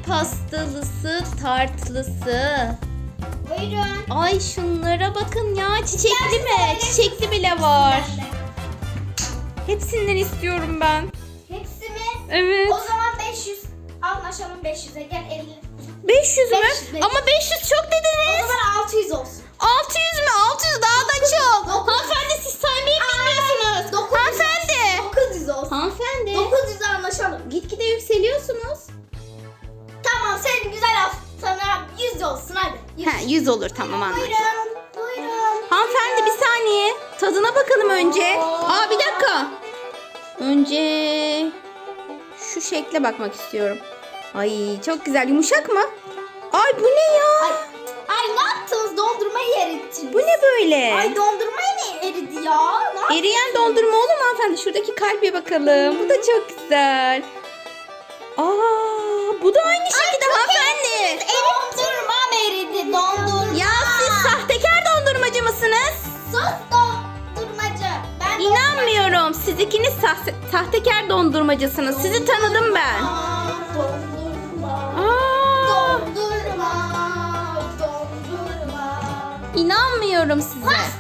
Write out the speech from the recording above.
pastalısı, tartlısı. Buyurun. Ay şunlara bakın ya. Çiçekli mi? Gerçekten Çiçekli bile var. Ben de. Hepsinden istiyorum ben. Hepsi mi? Evet. O zaman 500. Anlaşalım 500'e. Gel 50. 500 mü? 500. Ama 500 çok O dediniz. zaman 600 olsun. 600 mü? 600 daha da çok. 900. Hanımefendi siz saymayı bilmiyorsunuz. 900. Hanımefendi. 900 olsun. Hanımefendi. 900'e anlaşalım. Gitgide yükseliyorsunuz. Tamam senin güzel sana 100 olsun hadi. 100. Ha 100 olur tamam anladım. Buyurun. Buyurun. Hanımefendi bir saniye. Tadına bakalım önce. Aa bir dakika. Önce şu şekle bakmak istiyorum. Ay çok güzel. Yumuşak mı? Ay bu ne ya? Ay ne yaptınız? Dondurmayı erittiniz. Bu ne böyle? Ay dondurmayı ne eridi ya? Ne yaptınız? Eriyen dondurma olur mu hanımefendi? Şuradaki kalbe bakalım. Bu da çok güzel. Aa bu da aynı şekilde hanımefendi. Dondurmam eridi. Dondurma. Ya siz sahtekar dondurmacı mısınız? Sus dondurmacı. Ben İnanmıyorum. Siz ikiniz sahtekar dondurmacısınız. Sizi tanıdım ben. Dondurma. Aa, Dondurma. Dondurma. İnanmıyorum size.